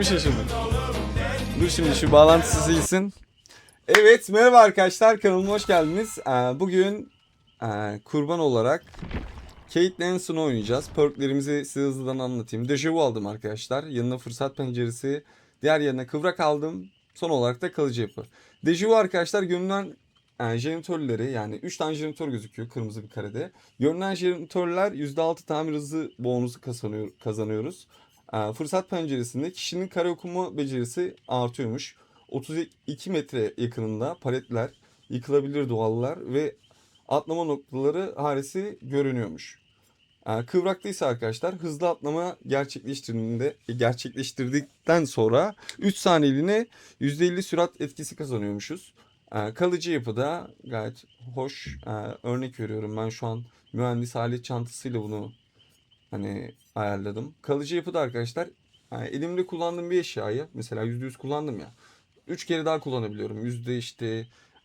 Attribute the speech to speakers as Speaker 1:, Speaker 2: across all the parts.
Speaker 1: Bir şey şimdi. Dur şimdi şu bağlantısı silsin. Evet, merhaba arkadaşlar, kanalıma hoş geldiniz. Bugün kurban olarak Kate Lanson'u oynayacağız. Perklerimizi size hızlıdan anlatayım. Dejavu aldım arkadaşlar. Yanına fırsat penceresi. Diğer yerine kıvrak aldım. Son olarak da kalıcı yapı. Dejavu arkadaşlar görünen jeneratörleri, yani 3 tane jeneratör gözüküyor kırmızı bir karede. Görünen jeneratörler %6 tamir hızı bonusu kazanıyoruz. Fırsat penceresinde kişinin kare okuma becerisi artıyormuş. 32 metre yakınında paletler, yıkılabilir duvarlar ve atlama noktaları harisi görünüyormuş. Kıvrakta ise arkadaşlar hızlı atlama gerçekleştirdikten sonra 3 saniyeliğine %50 sürat etkisi kazanıyormuşuz. Kalıcı yapıda gayet hoş. Örnek veriyorum, ben şu an mühendis alet çantasıyla bunu ayarladım. Kalıcı yapıda arkadaşlar elimde kullandığım bir eşyayı mesela %100 kullandım ya. 3 kere daha kullanabiliyorum. Yüzde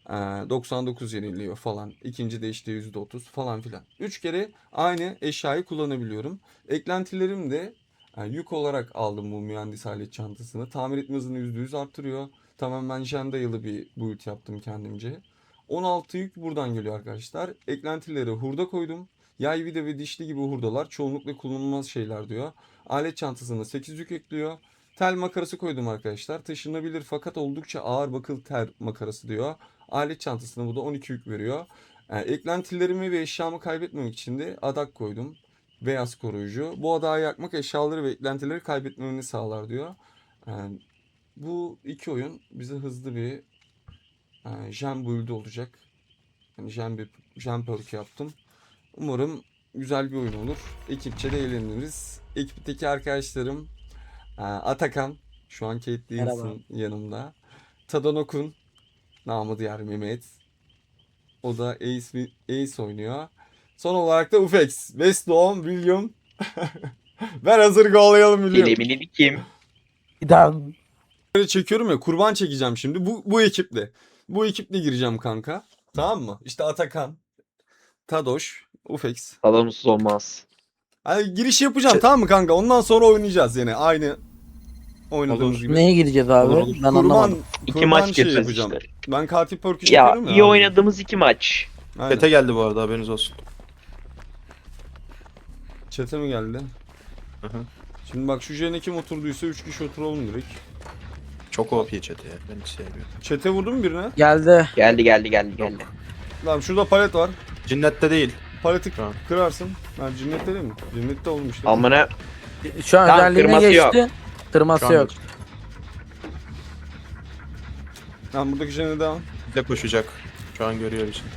Speaker 1: 99 yeniliyor falan. İkinci de işte %30 falan filan. 3 kere aynı eşyayı kullanabiliyorum. Eklentilerim de yük olarak aldım bu mühendis alet çantasını. Tamir etme hızını %100 arttırıyor. Tamamen jen dayalı bir build yaptım kendimce. 16 yük buradan geliyor arkadaşlar. Eklentileri hurda koydum. Yay, vida ve dişli gibi hurdalar çoğunlukla kullanılmaz şeyler diyor. Alet çantasına 8 yük ekliyor. Tel makarası koydum arkadaşlar. Taşınabilir fakat oldukça ağır bakıl tel makarası diyor. Alet çantasına bu da 12 yük veriyor. Eklentilerimi ve eşyamı kaybetmemek için de adak koydum. Beyaz koruyucu. Bu adağı yakmak eşyaları ve eklentileri kaybetmemeni sağlar diyor. Bu iki oyun bize hızlı bir jam build olacak. Yani jam perk yaptım. Umarım güzel bir oyun olur. Ekipçe de eğleniriz. Ekipteki arkadaşlarım Atakan, şu an Kate Lansson yanımda. Tadanokun, namı diğer Mehmet. O da Ace oynuyor. Son olarak da Ufex, West Doğum, William. Ben hazır go'layalım William.
Speaker 2: Kelimini dikim.
Speaker 1: Böyle çekiyorum ya, kurban çekeceğim şimdi bu ekiple. Bu ekiple gireceğim kanka. Tamam mı? İşte Atakan, Tadoş, Ufex.
Speaker 2: Adamsız olmaz.
Speaker 1: Hani giriş yapacağım tamam mı kanka? Ondan sonra oynayacağız yine aynı oynadığımız
Speaker 3: Olur.
Speaker 1: gibi.
Speaker 3: Neye gireceğiz abi?
Speaker 1: Olur.
Speaker 3: Ben anlamadım.
Speaker 2: İki
Speaker 1: Kurban
Speaker 2: maç
Speaker 1: şey
Speaker 2: gireceğiz
Speaker 1: yapacağım.
Speaker 2: işte.
Speaker 1: Ben katil perk'ü
Speaker 2: Ya
Speaker 1: çekiyorum ya.
Speaker 2: iyi
Speaker 1: abi.
Speaker 2: oynadığımız 2 maç.
Speaker 1: Aynen.
Speaker 4: Çete geldi bu arada, haberiniz olsun.
Speaker 1: Çete mi geldi?
Speaker 4: Hı hı.
Speaker 1: Şimdi bak, şu jene kim oturduysa 3 kişi oturalım direkt.
Speaker 4: Çok OP çete ya. Ben hiç sevmiyorum.
Speaker 1: Çete vurdun mu birine?
Speaker 3: Geldi.
Speaker 2: Geldi.
Speaker 1: Tamam, şurada palet var.
Speaker 4: Cinnette değil.
Speaker 1: Paleti
Speaker 4: Tamam.
Speaker 1: kırarsın. Ha, cinnette değil mi? Cinnette oğlum işte.
Speaker 2: Amına
Speaker 3: Şu an
Speaker 2: Tamam,
Speaker 3: özelliğine
Speaker 2: kırması yok.
Speaker 3: geçti. Kırması
Speaker 4: Şu an
Speaker 3: yok.
Speaker 1: Tamam, buradaki jene devam.
Speaker 4: de koşacak. Şu an görüyor bizi.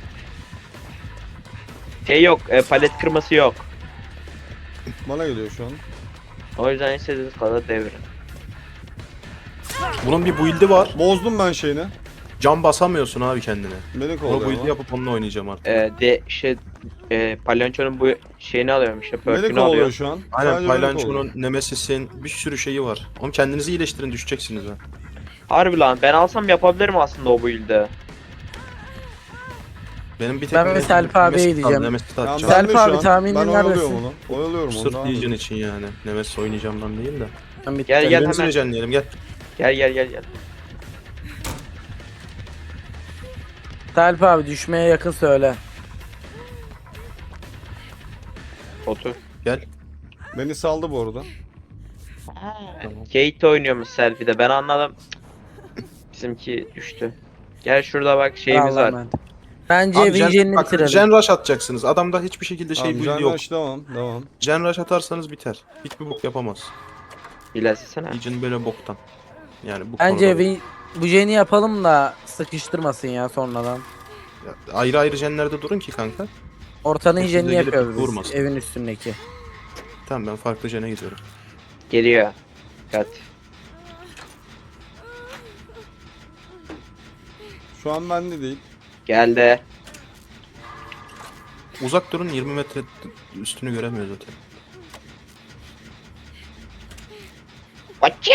Speaker 2: şey yok, palet kırması yok.
Speaker 1: Bana geliyor şu an.
Speaker 2: O yüzden istediğiniz kadar devirin.
Speaker 4: Bunun bir build'i var.
Speaker 1: Bozdum ben şeyini.
Speaker 4: Cam basamıyorsun abi kendine.
Speaker 1: Beni
Speaker 4: O
Speaker 1: kovalıyor
Speaker 4: build'i
Speaker 1: ama.
Speaker 4: yapıp onunla oynayacağım artık.
Speaker 2: Palyonçonun bu şeyini alıyorum işte,
Speaker 1: Beni
Speaker 2: perk'ünü
Speaker 1: kovalıyor
Speaker 2: alıyorum.
Speaker 1: şu an.
Speaker 4: Aynen,
Speaker 1: Sadece beni kovalıyor.
Speaker 4: Paylanço'nun, Nemesis'in bir sürü şeyi var. Oğlum kendinizi iyileştirin, düşeceksiniz ha.
Speaker 2: Harbi lan, ben alsam yapabilirim aslında o build'i.
Speaker 4: Benim bir tek
Speaker 3: Ben ve Selp abiye
Speaker 4: Nemesis
Speaker 3: gideceğim.
Speaker 4: kaldı, Nemesis'i
Speaker 1: Tamam,
Speaker 4: atacağım.
Speaker 3: Selp
Speaker 1: ben de şu
Speaker 3: abi,
Speaker 1: an.
Speaker 3: tahminin
Speaker 1: Ben oyalıyorum
Speaker 3: neredesin?
Speaker 1: onu. Oyalıyorum onu.
Speaker 4: Sırf
Speaker 1: devam
Speaker 4: Legion
Speaker 1: edin.
Speaker 4: için yani. Nemesis oynayacağımdan değil de.
Speaker 3: Ben bitti.
Speaker 2: Gel
Speaker 4: Kendinizi
Speaker 2: hemen.
Speaker 4: rejenleyelim, gel.
Speaker 2: Gel.
Speaker 3: Selp abi düşmeye yakın söyle.
Speaker 2: Otur.
Speaker 4: Gel.
Speaker 1: Beni saldı bu arada.
Speaker 2: Kate oynuyormuş selfie'de, ben anladım. Bizimki düştü. Gel şurada bak şeyimiz
Speaker 3: Allah'a
Speaker 2: var.
Speaker 3: emanet. Bence
Speaker 4: Abi
Speaker 3: Vision'ini
Speaker 4: bak,
Speaker 3: bitirelim.
Speaker 4: Gen Rush atacaksınız. Adamda hiçbir şekilde
Speaker 1: Tamam,
Speaker 4: build
Speaker 1: Can
Speaker 4: yok.
Speaker 1: Rush devam.
Speaker 4: Gen Rush atarsanız biter. Hiçbir bok yapamaz.
Speaker 2: İlerlesene.
Speaker 4: Legion böyle boktan. Yani bu
Speaker 3: Bence
Speaker 4: konuda-
Speaker 3: bu jeni yapalım da sıkıştırmasın ya sonradan.
Speaker 4: Ya, ayrı ayrı jenlerde durun ki kanka.
Speaker 3: Ortanın
Speaker 4: Hepsinde
Speaker 3: jenini
Speaker 4: gelip
Speaker 3: yapıyoruz biz.
Speaker 4: vurmasın.
Speaker 3: Evin üstündeki.
Speaker 4: Tamam, ben farklı jene gidiyorum.
Speaker 2: Geliyor. Dikkat.
Speaker 1: Şu an bende değil.
Speaker 2: Geldi.
Speaker 4: Uzak durun, 20 metre üstünü göremiyor zaten.
Speaker 2: Açya.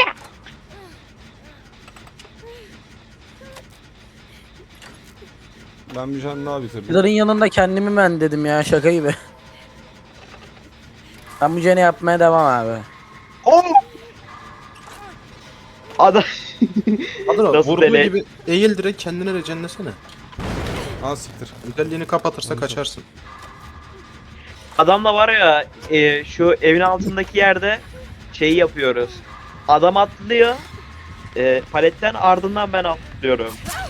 Speaker 1: Ben bir jen daha bitirdim.
Speaker 3: Pillar'ın yanında kendimi ben dedim ya, şaka gibi. Ben bu jeni yapmaya devam abi.
Speaker 2: Oh! Adam
Speaker 4: Adro
Speaker 2: Nasıl
Speaker 4: vurduğu
Speaker 2: dele-
Speaker 4: gibi eğil direkt kendine rejenlesene.
Speaker 1: Ha siktir.
Speaker 4: Özelliğini kapatırsa kaçarsın.
Speaker 2: adamla var ya şu evin altındaki yerde şeyi yapıyoruz. Adam atlıyor. Paletten ardından ben atlıyorum.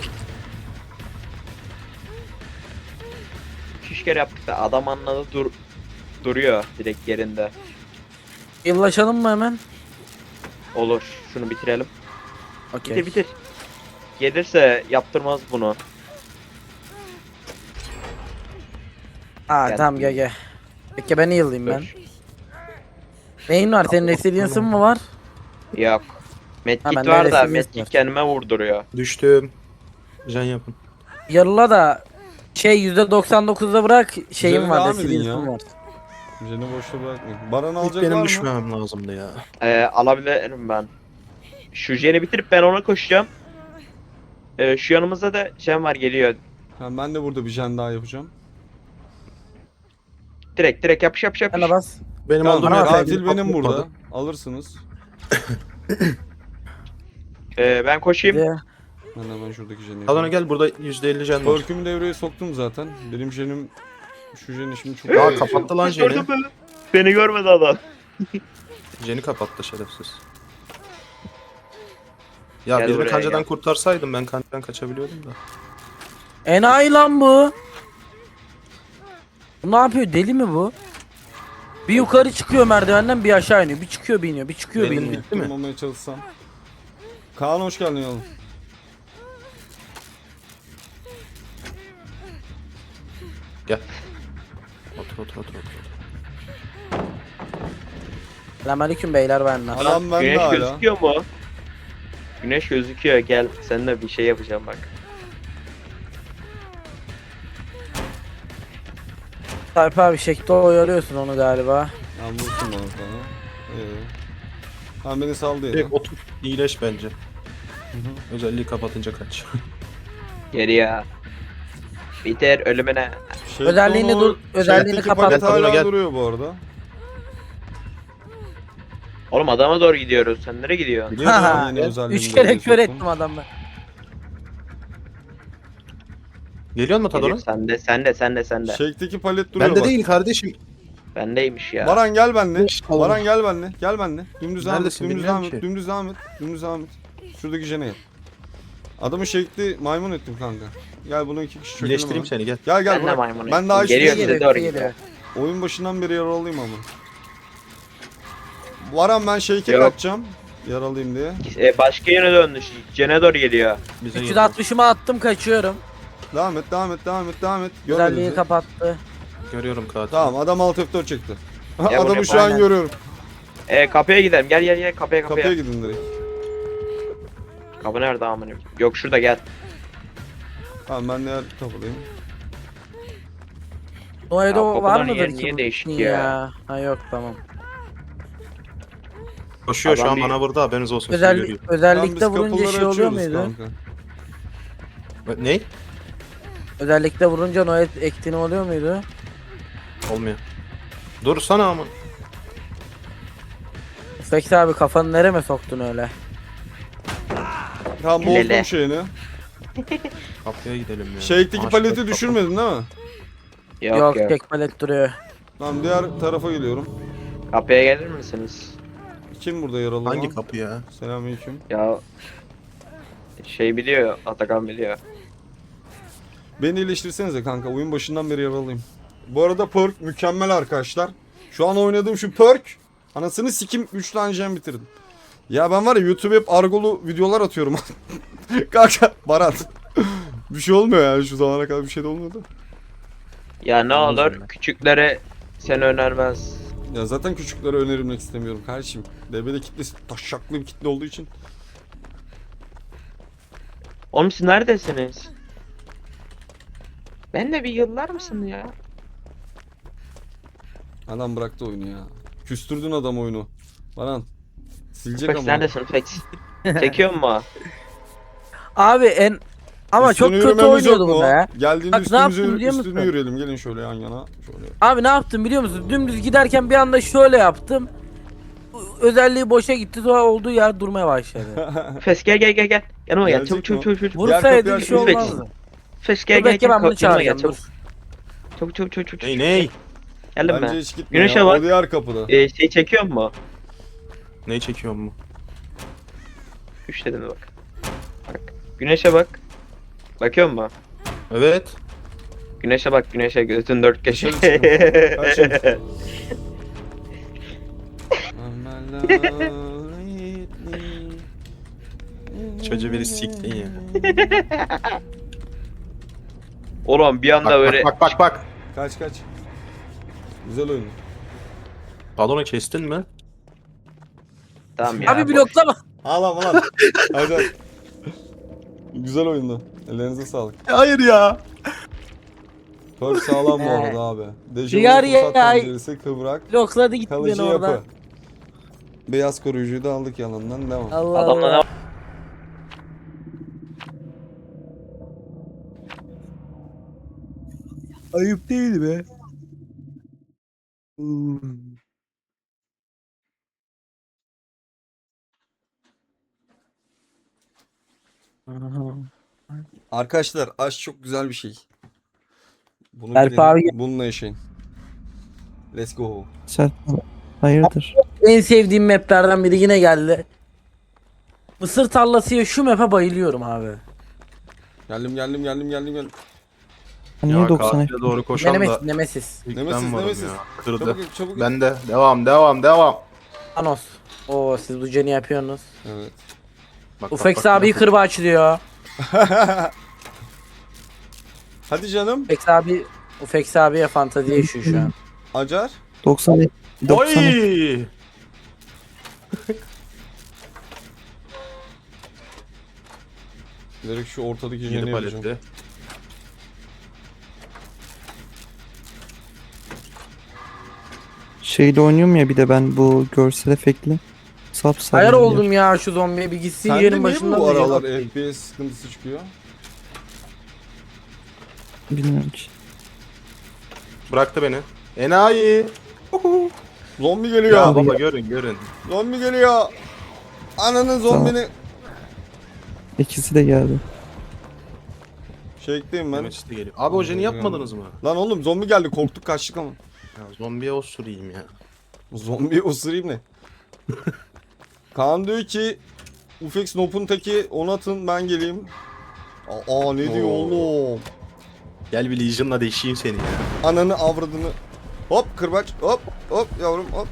Speaker 2: 2-3 kere yaptık da adam anladı duruyor direkt yerinde.
Speaker 3: Yıllaşalım mı hemen?
Speaker 2: Olur. Şunu bitirelim.
Speaker 3: Okey.
Speaker 2: Bitir bitir. Gelirse yaptırmaz bunu.
Speaker 3: Aa
Speaker 2: Gel.
Speaker 3: tamam gel. Peki ben yıllayayım ben.
Speaker 2: Dur.
Speaker 3: Neyin var? Senin resilience'ın mı var?
Speaker 2: Yok.
Speaker 3: Ha,
Speaker 2: Medkit
Speaker 3: bende
Speaker 2: var da
Speaker 3: resilience
Speaker 2: medkit
Speaker 3: var.
Speaker 2: kendime vurduruyor.
Speaker 4: Düştüm. Jen yapın.
Speaker 3: Yarıla da şey %99'da bırak şeyim
Speaker 1: Üzerine
Speaker 3: var,
Speaker 1: devam edin
Speaker 3: resilience'ım
Speaker 1: ya.
Speaker 3: var.
Speaker 1: Jeni boşta bırakmayın. Baran
Speaker 4: İlk
Speaker 1: alacak var
Speaker 4: benim
Speaker 1: mı?
Speaker 4: düşmemem lazımdı ya.
Speaker 2: Alabilirim ben. Şu jeni bitirip ben ona koşacağım. Şu yanımızda da jen var geliyor.
Speaker 1: Ha, ben de burada bir jen daha yapacağım.
Speaker 2: Direkt yapış yapış
Speaker 3: Sen de
Speaker 2: yapış.
Speaker 3: bas.
Speaker 4: Benim
Speaker 1: Tamam,
Speaker 4: olduğum
Speaker 3: bana
Speaker 4: yer
Speaker 1: katil
Speaker 4: kendini
Speaker 1: benim
Speaker 4: patlatmadı.
Speaker 1: burada. Alırsınız.
Speaker 2: Ben koşayım.
Speaker 3: Bir
Speaker 1: Ben hemen şuradaki jeni
Speaker 4: Adana
Speaker 1: yapayım.
Speaker 4: gel burada %50 jen var.
Speaker 1: Perk'ümü devreye soktum zaten. Benim jenim şu jeni şimdi çok
Speaker 4: Aa kapattı lan jeni.
Speaker 2: Gördün mü? Beni görmedi adam.
Speaker 4: Jeni kapattı şerefsiz. Ya
Speaker 2: Gel
Speaker 4: birini
Speaker 2: buraya,
Speaker 4: kancadan
Speaker 2: gel.
Speaker 4: kurtarsaydım ben kancadan kaçabiliyordum da.
Speaker 3: enayi lan bu. Bu ne yapıyor? Deli mi bu? Bir yukarı çıkıyor merdivenden, bir aşağı iniyor. Bir çıkıyor, bir iniyor. Bir çıkıyor, bir
Speaker 4: Benim
Speaker 3: iniyor.
Speaker 4: bitti mi?
Speaker 1: Durmamaya çalışsam. Kaan hoş geldin oğlum.
Speaker 4: Gel. Otur.
Speaker 3: Selamünaleyküm beyler, ben Naz.
Speaker 1: Adam bende
Speaker 2: Güneş
Speaker 1: hala.
Speaker 2: gözüküyor mu? Güneş gözüküyor. Gel seninle bir şey yapacağım bak.
Speaker 3: Tayyip abi şekli oyalıyorsun onu galiba.
Speaker 1: Ben vursun bana sana. Tamam beni saldı
Speaker 4: Direkt
Speaker 1: ya.
Speaker 4: otur. İyileş bence. Özelliği kapatınca kaç.
Speaker 2: Geri ya. Biter ölümüne.
Speaker 3: Özelliğini dur, özelliğini
Speaker 1: Şeyteki
Speaker 3: kapat.
Speaker 1: palet hala
Speaker 4: Gel.
Speaker 1: duruyor bu arada.
Speaker 2: Oğlum adama doğru gidiyoruz. Sen nereye gidiyorsun?
Speaker 1: Biliyorum
Speaker 3: Ha,
Speaker 1: ben yeni özelliğimi
Speaker 3: 3 kere
Speaker 1: devreye
Speaker 3: kör
Speaker 1: soktum.
Speaker 3: ettim adamı.
Speaker 4: Geliyor mu
Speaker 2: Geliyor.
Speaker 4: Tadona?
Speaker 2: Sende.
Speaker 1: Shake'deki palet duruyor
Speaker 4: Bende
Speaker 1: bak.
Speaker 4: değil kardeşim.
Speaker 2: Bendeymiş ya.
Speaker 1: Baran gel benle.
Speaker 4: Beş kalın.
Speaker 1: Baran gel benle. Gel benle. Dümdüz devam et.
Speaker 4: Neredesin
Speaker 1: Dümdüz
Speaker 4: bilmiyorum
Speaker 1: devam et.
Speaker 4: ki.
Speaker 1: Dümdüz devam et. Dümdüz devam et. Şuradaki jene yap. Adamı shake'li maymun ettim kanka. Gel bunu 2 kişi çökelim
Speaker 4: İyileştireyim
Speaker 1: hemen.
Speaker 4: seni gel.
Speaker 1: Gel gel
Speaker 2: Ben de
Speaker 1: Burak.
Speaker 2: maymun
Speaker 1: Ben daha
Speaker 2: ettim. Geliyor
Speaker 1: hiçbir
Speaker 2: size
Speaker 3: Geliyor,
Speaker 2: doğru
Speaker 3: geliyor.
Speaker 2: gidiyor.
Speaker 1: Oyun başından beri yaralıyım ama. Baran ben shake'e
Speaker 2: Yok.
Speaker 1: kaçacağım. Yaralıyım diye.
Speaker 2: Başka yöne döndü. Jene doğru geliyor.
Speaker 4: Bize geliyor.
Speaker 3: 360'ımı attım, kaçıyorum.
Speaker 1: Devam et. Görmedin
Speaker 3: Özelliği
Speaker 1: mi?
Speaker 3: kapattı.
Speaker 4: Görüyorum katil.
Speaker 1: Tamam adam alt F4 çekti.
Speaker 2: bunu
Speaker 1: Adamı şu
Speaker 2: yapalım.
Speaker 1: an
Speaker 3: Aynen.
Speaker 1: görüyorum.
Speaker 2: Kapıya gidelim. Gel kapıya.
Speaker 1: Kapıya gidin direkt.
Speaker 2: Kapı nerede amına? Yok şurada gel.
Speaker 1: Tamam ben diğer kapıdayım.
Speaker 3: Noedo var
Speaker 2: kapıların
Speaker 3: mıdır
Speaker 2: yeri
Speaker 3: ki?
Speaker 2: niye
Speaker 3: bu?
Speaker 2: değişik ya?
Speaker 3: Ha yok, tamam.
Speaker 4: Koşuyor şu
Speaker 2: Adam
Speaker 4: an
Speaker 2: bir-
Speaker 4: bana vurdu haberiniz olsun. sizi
Speaker 3: Özellik,
Speaker 4: görüyor.
Speaker 1: Tamam, biz
Speaker 3: özellikle vurunca
Speaker 1: kapıları
Speaker 3: şey oluyor
Speaker 1: açıyoruz
Speaker 3: muydu?
Speaker 1: kanka.
Speaker 4: Ne?
Speaker 3: Özellikle vurunca Noed ektini oluyor muydu?
Speaker 4: Olmuyor. Dursana ama.
Speaker 3: Peki abi, kafanı nereme soktun öyle?
Speaker 1: Tamam
Speaker 2: Lele.
Speaker 1: bozdum şeyini.
Speaker 4: Kapıya gidelim ya.
Speaker 1: Shake'deki
Speaker 4: Maaş
Speaker 1: paleti
Speaker 4: bak,
Speaker 1: düşürmedin değil mi?
Speaker 2: Yok.
Speaker 3: tek palet duruyor.
Speaker 1: Tamam diğer tarafa geliyorum.
Speaker 2: Kapıya gelir misiniz?
Speaker 1: Kim burada yaralı
Speaker 4: kapı. Hangi
Speaker 1: olan?
Speaker 4: kapı ya?
Speaker 1: Selamünaleyküm.
Speaker 2: Ya şey biliyor. Atakan biliyor.
Speaker 1: Beni iyileştirsenize kanka. Oyun başından beri yaralıyım. Bu arada perk mükemmel arkadaşlar. Şu an oynadığım şu perk. Anasını sikim 3 tane jam bitirdim. Ya ben var ya YouTube'ya hep argolu videolar atıyorum. Kanka Barat. Bir şey olmuyor yani şu zamana kadar bir şey de olmadı.
Speaker 2: Ya ne
Speaker 4: Anladım
Speaker 2: olur
Speaker 4: ben.
Speaker 2: küçüklere sen önermez.
Speaker 1: Ya zaten küçüklere önerilmek istemiyorum kardeşim. DB'de kitlesi taşaklı bir kitle olduğu için.
Speaker 2: Oğlum siz neredesiniz? Ben de bir yıllar mısın ya?
Speaker 1: Adam bıraktı oyunu ya. Küstürdün adam oyunu. Baran. Silecek
Speaker 2: Fex
Speaker 1: ama.
Speaker 2: neredesin Fex? Çekiyor mu?
Speaker 3: Abi ama çok
Speaker 1: Üstüne
Speaker 3: kötü
Speaker 1: yürümemiz yok
Speaker 3: oynuyordu
Speaker 1: mu?
Speaker 3: bunda ya.
Speaker 1: Geldiğinde
Speaker 3: Bak, ne yaptım biliyor
Speaker 1: üstüne
Speaker 3: musun?
Speaker 1: yürüyelim. Gelin şöyle yan yana. Şöyle.
Speaker 3: Abi ne yaptım biliyor musun? Dümdüz giderken bir anda şöyle yaptım. özelliği boşa gitti sonra olduğu yer durmaya başladı.
Speaker 2: Fes gel. Yanıma gel.
Speaker 1: Gelecek
Speaker 2: Çabuk
Speaker 1: mi
Speaker 2: çabuk
Speaker 1: o?
Speaker 2: çabuk.
Speaker 3: Vursaydı bir şey
Speaker 2: Lütfen.
Speaker 3: olmazdı.
Speaker 2: Fes
Speaker 3: Dur
Speaker 2: gel
Speaker 3: bekle ben bunu
Speaker 2: Yanıma gel
Speaker 3: çağıracağım
Speaker 2: çabuk.
Speaker 3: dur.
Speaker 2: Çabuk.
Speaker 4: Ney?
Speaker 2: Geldim
Speaker 1: Bence
Speaker 2: ben.
Speaker 1: hiç gitme
Speaker 2: Güneşe
Speaker 1: ya.
Speaker 2: bak.
Speaker 1: O diğer kapıda.
Speaker 2: Şey çekiyor mu?
Speaker 4: Neyi çekiyorum mu?
Speaker 2: 3 dedim mi bak. Bak. Güneşe bak. Bakıyor musun?
Speaker 4: Evet.
Speaker 2: Güneşe bak güneşe gözün dört köşe.
Speaker 1: Dışarı Kaçın.
Speaker 4: Çocuğu biri siktin ya.
Speaker 2: Oğlum bir anda
Speaker 4: Bak
Speaker 2: böyle
Speaker 4: bak.
Speaker 1: Kaç. Güzel oyun.
Speaker 4: Balonu kestin mi?
Speaker 2: tamam ya.
Speaker 3: Abi
Speaker 2: boş.
Speaker 3: bloklama.
Speaker 1: Ağlama lan. Hadi. Güzel oyundu. Ellerinize sağlık.
Speaker 4: Hayır ya.
Speaker 1: Çok sağlam bu arada abi.
Speaker 3: Diğer
Speaker 1: Dejavu fırsat
Speaker 3: ya-
Speaker 1: penceresi kıvrak.
Speaker 3: Blokladı gitti
Speaker 1: Kalıcı
Speaker 3: beni oradan.
Speaker 1: yapı. Beyaz koruyucuyu da aldık yanından devam.
Speaker 3: Allah
Speaker 2: Adamla
Speaker 3: Allah.
Speaker 2: ne
Speaker 3: Ayıp değil be.
Speaker 1: Arkadaşlar aşk çok güzel bir şey. Bunu
Speaker 3: Berk
Speaker 1: bilin,
Speaker 3: abi-
Speaker 1: bununla yaşayın. Let's go.
Speaker 5: Sen hayırdır?
Speaker 3: En sevdiğim maplerden biri yine geldi. Mısır tarlasıya şu map'e bayılıyorum abi.
Speaker 1: Geldim.
Speaker 5: Niye
Speaker 4: Ya
Speaker 5: 90
Speaker 4: katile doğru koşan da
Speaker 3: Nemesis, Nemesis.
Speaker 4: ilk
Speaker 1: Nemesis,
Speaker 4: ben varım
Speaker 1: Nemesis.
Speaker 4: ya. Kırdı.
Speaker 1: Çabuk.
Speaker 4: Ben de. Devam.
Speaker 3: Thanos. Oo siz bu canı yapıyorsunuz.
Speaker 1: Evet.
Speaker 4: Bak,
Speaker 3: Ufex abi kırbaç diyor.
Speaker 1: Hadi canım.
Speaker 3: Ufex abiye fantazi yaşıyor şu an.
Speaker 1: Acar.
Speaker 5: 90 90
Speaker 4: Oy!
Speaker 1: Direkt şu ortadaki
Speaker 4: Yedi
Speaker 1: jeni yapacağım.
Speaker 4: palette.
Speaker 5: şeyle oynuyorum ya bir de ben bu görsel efektli. Sapsarı.
Speaker 3: Hayır oldum ya şu zombiye bir gitsin
Speaker 1: Sende
Speaker 3: yerin
Speaker 1: niye
Speaker 3: başından
Speaker 1: bu
Speaker 3: da
Speaker 1: aralar
Speaker 3: yeni-
Speaker 1: FPS sıkıntısı çıkıyor?
Speaker 5: Bilmiyorum ki.
Speaker 4: Bıraktı beni. Enayi.
Speaker 1: Zombi geliyor.
Speaker 4: Ya baba görün.
Speaker 1: Zombi geliyor. Ananın zombini.
Speaker 5: İkisi de geldi.
Speaker 1: Şeykteyim ben.
Speaker 4: Mehmet işte geliyor. Abi o jeni yapmadınız mı?
Speaker 1: Lan oğlum zombi geldi korktuk kaçtık ama.
Speaker 4: Ya zombiye o süreyim ya.
Speaker 1: Zombi osurayım ne? Kaan diyor ki Ufex Nop'un teki onu atın ben geleyim. Aa ne diyor
Speaker 4: Oo.
Speaker 1: oğlum?
Speaker 4: Gel bir Legion'la deşeyim seni ya.
Speaker 1: Ananı avradını. Hop kırbaç hop yavrum hop.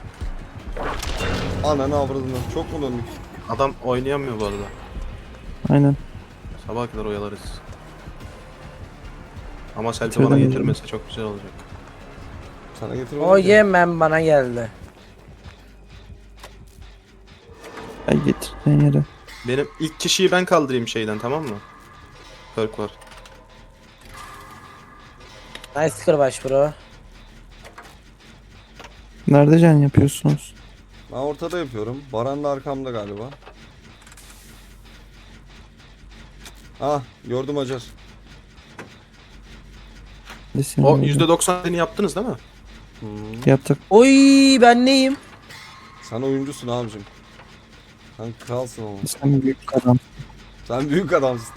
Speaker 1: Ananı avradını. Çok mu döndük?
Speaker 4: Adam oynayamıyor bu arada.
Speaker 5: Aynen.
Speaker 4: Sabaha kadar oyalarız. Ama Selfie
Speaker 5: Şöyle
Speaker 4: bana
Speaker 5: mi?
Speaker 4: getirmese çok güzel olacak.
Speaker 1: Sana getir
Speaker 3: O yemem bana geldi.
Speaker 5: Ay getirdiğin yere.
Speaker 4: Benim ilk kişiyi ben kaldırayım şeyden, tamam mı? Perk var.
Speaker 3: Nice kırbaç bro.
Speaker 5: Nerede can yapıyorsunuz?
Speaker 1: Ben ortada yapıyorum. Baran da arkamda galiba. Ah gördüm Acar.
Speaker 5: Desin
Speaker 4: O
Speaker 5: orada.
Speaker 4: %90'ını yaptınız değil mi?
Speaker 5: Yaptık.
Speaker 3: Oy ben neyim?
Speaker 1: Sen oyuncusun abicim. Sen kralsın ama.
Speaker 5: Sen büyük adam.
Speaker 1: Sen büyük adamsın.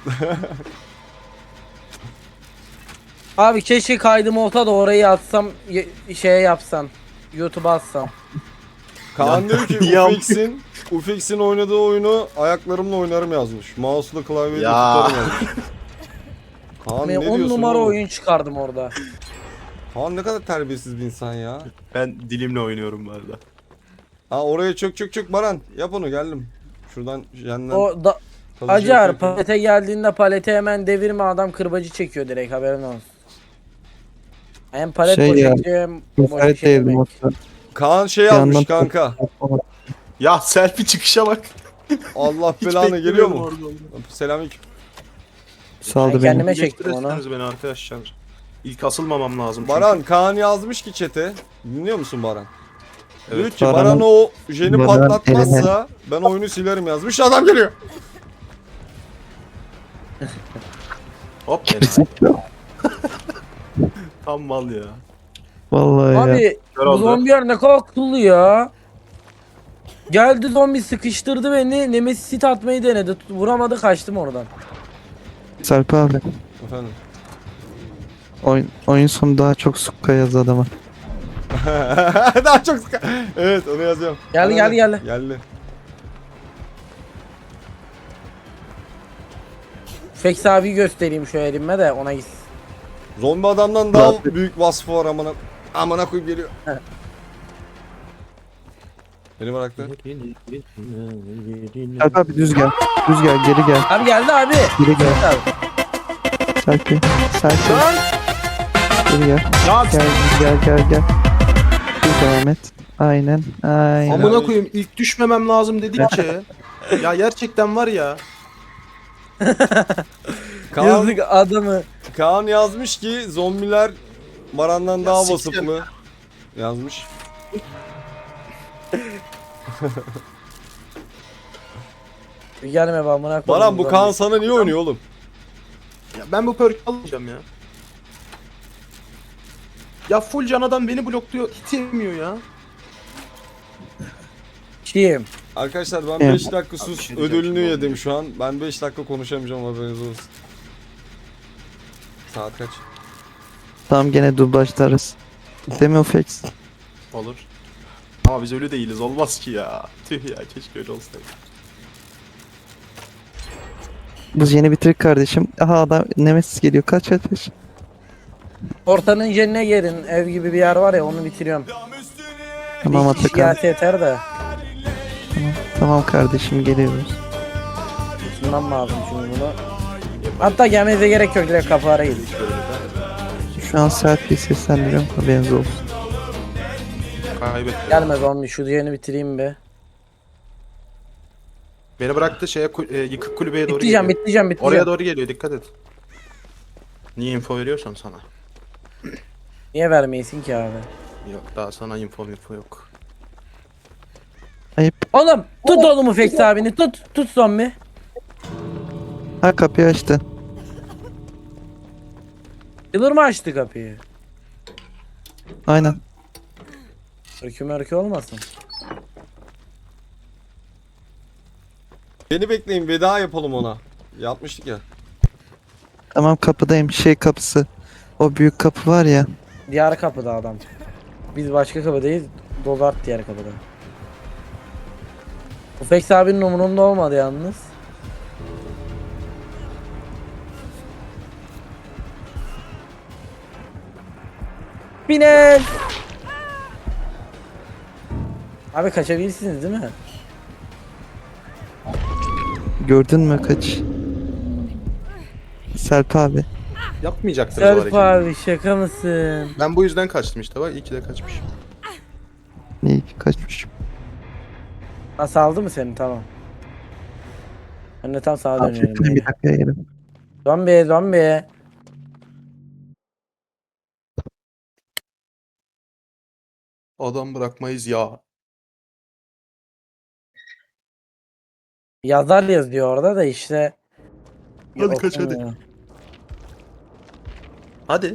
Speaker 3: Abi keşke kaydım olsa da orayı atsam şeye yapsam. YouTube'a atsam.
Speaker 1: Kaan
Speaker 4: Ya-
Speaker 1: diyor ki
Speaker 4: Ya-
Speaker 1: Ufex'in oynadığı oyunu ayaklarımla oynarım yazmış. Mouse'la klavyeyle
Speaker 4: Ya.
Speaker 1: tutarım yazmış. Kaan
Speaker 3: Ben
Speaker 1: ne
Speaker 3: 10
Speaker 1: diyorsun
Speaker 3: numara
Speaker 1: oğlum?
Speaker 3: oyun çıkardım orada.
Speaker 1: Kaan ne kadar terbiyesiz bir insan ya.
Speaker 4: Ben dilimle oynuyorum bu arada.
Speaker 1: Ha oraya çök Baran. Yap onu geldim. Şuradan jenden
Speaker 3: O da
Speaker 1: kalıcı
Speaker 3: Acar
Speaker 1: yapıyor.
Speaker 3: palete geldiğinde palete hemen devirme adam kırbacı çekiyor direkt haberin olsun. Hem palet
Speaker 5: Şey ya,
Speaker 3: boşaltıyor hem boş bir
Speaker 5: Müsait
Speaker 3: şey
Speaker 5: değildim
Speaker 3: demek.
Speaker 5: o
Speaker 1: Kaan şey
Speaker 5: Bir
Speaker 1: almış
Speaker 5: yandan-
Speaker 1: kanka.
Speaker 4: Ya selfie çıkışa bak.
Speaker 1: Allah
Speaker 4: Hiç
Speaker 1: belanı geliyor
Speaker 4: beklemiyordum
Speaker 1: mu?
Speaker 4: orada onu.
Speaker 1: Selamünaleyküm.
Speaker 5: Saldı
Speaker 3: Ben
Speaker 5: beni.
Speaker 3: kendime çektim onu.
Speaker 4: Geçtirirseniz beni arkadaşlar. İlk asılmamam lazım. çünkü.
Speaker 1: Baran Kaan yazmış ki chat'e. Dinliyor musun Baran? Diyor
Speaker 4: Evet.
Speaker 1: ki Baran
Speaker 5: Baran'ın-
Speaker 1: o jeni
Speaker 5: Baran
Speaker 1: patlatmazsa ben oyunu silerim yazmış. Adam geliyor.
Speaker 4: Hop enayi. Tam mal ya.
Speaker 5: Vallahi ya.
Speaker 3: Abi
Speaker 4: Kör
Speaker 3: bu
Speaker 4: oldu.
Speaker 3: zombiler ne kadar akıllı ya. Geldi zombi sıkıştırdı beni. Nemesis hit atmayı denedi. Vuramadı, kaçtım oradan.
Speaker 5: Sarp abi.
Speaker 1: Efendim.
Speaker 5: Oyun sonu daha çok sukka yaz adama.
Speaker 1: Daha çok evet onu yazıyorum.
Speaker 3: Geldi,
Speaker 1: Hadi,
Speaker 3: geldi.
Speaker 1: Geldi.
Speaker 3: Fex abi göstereyim şu elime de ona gitsin.
Speaker 1: Zombi adamdan daha
Speaker 5: Zaten-
Speaker 1: büyük vasfı var amına. Amına koyup geliyor. Beni bıraktı.
Speaker 5: Sarp abi düz gel. Düz gel, geri gel.
Speaker 3: Abi geldi abi.
Speaker 5: Geri gel.
Speaker 3: Abi.
Speaker 5: Sarp. Sarp. Geri gel. Gel. Düz devam et. Aynen.
Speaker 4: Amına koyayım ilk düşmemem lazım dedikçe. Ya gerçekten var ya.
Speaker 1: Kaan,
Speaker 3: Yazık adamı.
Speaker 1: Kaan yazmış ki zombiler Baran'dan daha
Speaker 4: siktir.
Speaker 1: vasıflı. Yazmış.
Speaker 3: Gelme be amına koyayım.
Speaker 1: Baran bu Kaan sana niye oynuyor oğlum?
Speaker 4: Ya ben bu perk almayacağım ya. Ya full can adam beni blokluyor. Hiç yemiyor ya.
Speaker 3: Kim?
Speaker 1: Arkadaşlar ben
Speaker 5: Evet.
Speaker 1: 5 dakika
Speaker 4: Abi,
Speaker 1: sus
Speaker 4: bir şey diyeceğim
Speaker 1: ödülünü
Speaker 4: şimdi
Speaker 1: yedim
Speaker 4: olmuyor.
Speaker 1: şu an. Ben 5 dakika konuşamayacağım, haberiniz olsun. Saat kaç?
Speaker 5: Tamam, gene dublajlarız. Değil mi o Fex?
Speaker 4: Olur. Ama biz öyle değiliz. Olmaz ki ya. Tüh ya keşke öyle olsaydı.
Speaker 5: Biz yeni bitirdik kardeşim. Aha adam Nemesis geliyor. Kaç.
Speaker 3: Ortanın jenine gelin. Ev gibi bir yer var ya, onu bitiriyorum.
Speaker 5: Tamam
Speaker 3: Bir kişi
Speaker 5: Atakan.
Speaker 3: gelse yeter de.
Speaker 5: Tamam kardeşim, geliyoruz.
Speaker 3: Şundan lazım çünkü bunu. Hatta gelmenize gerek yok, direkt kapı arayın.
Speaker 5: Şu an saat bir seslendiriyorum. Haberiniz olsun.
Speaker 4: Kaybettim.
Speaker 3: Gelme zombi, şu yeni bitireyim be.
Speaker 4: Beni bıraktı şeye yıkık kulübeye doğru
Speaker 3: Bitleyeceğim,
Speaker 4: geliyor.
Speaker 3: bitleyeceğim.
Speaker 4: Oraya doğru geliyor, dikkat et. Niye info veriyorsam sana?
Speaker 3: Niye vermeyesin ki abi?
Speaker 4: Yok daha sana info yok.
Speaker 5: Ayıp.
Speaker 3: Oğlum tut oğlumu Fex abini, tut zombi.
Speaker 5: Ha, kapıyı açtı.
Speaker 3: Yılır mı açtı kapıyı?
Speaker 5: Aynen.
Speaker 3: Örkü olmasın.
Speaker 1: Beni bekleyin, veda yapalım ona. Yapmıştık ya.
Speaker 5: Tamam, kapıdayım. Şey kapısı. O büyük kapı var ya.
Speaker 3: Diğer kapıda adam. Biz başka kapıdayız. Dolar diğer kapıda. Bu Fex abinin umurunda olmadı yalnız. Biner. Abi kaçabilirsiniz değil mi?
Speaker 5: Gördün mü kaç? Sarp abi.
Speaker 4: Yapmayacaktınız o
Speaker 3: Serp
Speaker 4: hareketi.
Speaker 3: abi şaka mısın?
Speaker 4: Ben bu yüzden kaçtım işte bak, iyi ki de kaçmışım.
Speaker 5: İyi ki kaçmışım.
Speaker 3: Nasıl aldı mı seni? Tamam. Ben de tam sağa dönüyorum.
Speaker 5: Affettim, bir dakika yerim.
Speaker 3: Zombi.
Speaker 4: Adam bırakmayız ya.
Speaker 3: Yazar yazıyor orada da işte.
Speaker 4: Hadi kaç, hadi.
Speaker 3: Okumuyor.
Speaker 4: Hadi.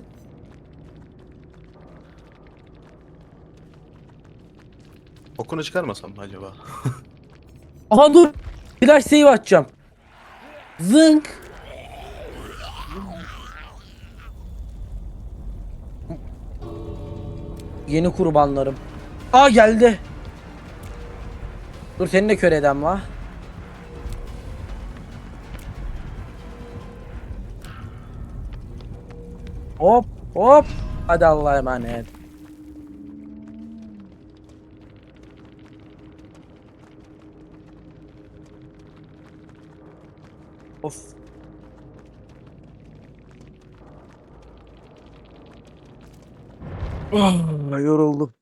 Speaker 4: Okunu çıkarmasam mı acaba?
Speaker 3: Aha dur. Flash save atacağım. Zınk. Yeni kurbanlarım. Aa geldi. Dur seni de kör edem la. Hop. Hadi Allah'a emanet. Of. Yoruldum.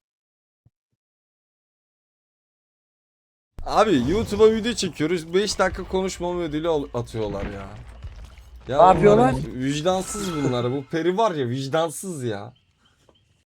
Speaker 1: Abi YouTube'a video çekiyoruz. 5 dakika konuşmama ödülü atıyorlar ya. Ya
Speaker 3: Ne yapıyorlar?
Speaker 1: bunlar vicdansız bunlar. Bu peri var ya, vicdansız ya.